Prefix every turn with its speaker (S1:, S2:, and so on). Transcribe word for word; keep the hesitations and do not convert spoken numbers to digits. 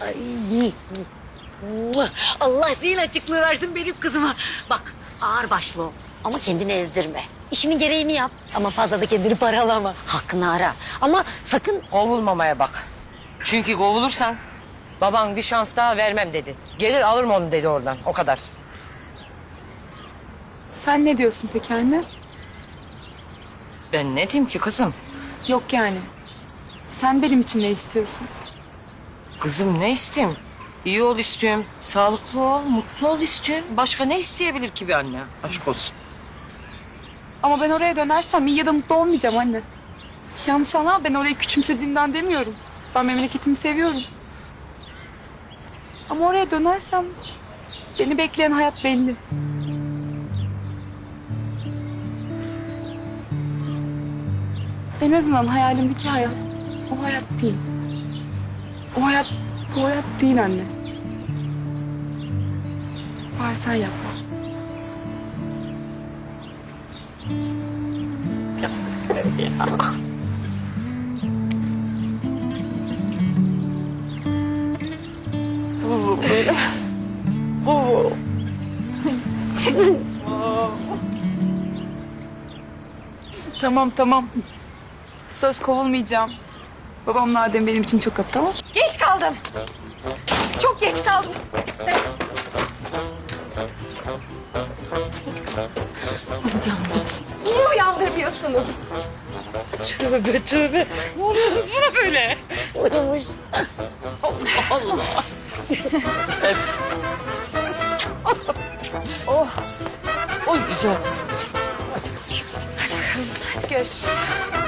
S1: Ay. Allah zihin açıklığı versin benim kızıma. Bak ağır başlı ol ama kendini ezdirme. İşinin gereğini yap ama fazla da kendini paralama. Hakkını ara ama sakın...
S2: Kovulmamaya bak. Çünkü kovulursan baban bir şans daha vermem dedi. Gelir alırım onu dedi oradan, o kadar.
S3: Sen ne diyorsun peki anne?
S2: Ben ne diyeyim ki kızım?
S3: Yok yani. Sen benim için ne istiyorsun?
S2: Kızım ne isteyeyim? İyi ol istiyorum, sağlıklı ol, mutlu ol istiyorum. Başka ne isteyebilir ki bir anne? Aşk olsun.
S3: Ama ben oraya dönersem iyi ya da mutlu olmayacağım anne. Yanlış anlama, ben orayı küçümsediğimden demiyorum. Ben memleketimi seviyorum. Ama oraya dönersem beni bekleyen hayat belli. En azından hayalimdeki hayat o hayat değil. O hayat bu hayat değil anne. Bari sen yapma.
S2: Kuzum benim. Kuzum.
S3: Tamam tamam. Söz kovulmayacağım. Babamla Adem benim için çok yaptı, tamam.
S1: Geç kaldım. Çok geç kaldım. Sen... Alacağınız olsun. Niye uyandırmıyorsunuz?
S2: Tövbe tövbe. Ne oluyor kız buna böyle?
S1: Uyumuş.
S2: Allah Allah. oh. Oy güzel kızım.
S3: Hadi görüşürüz.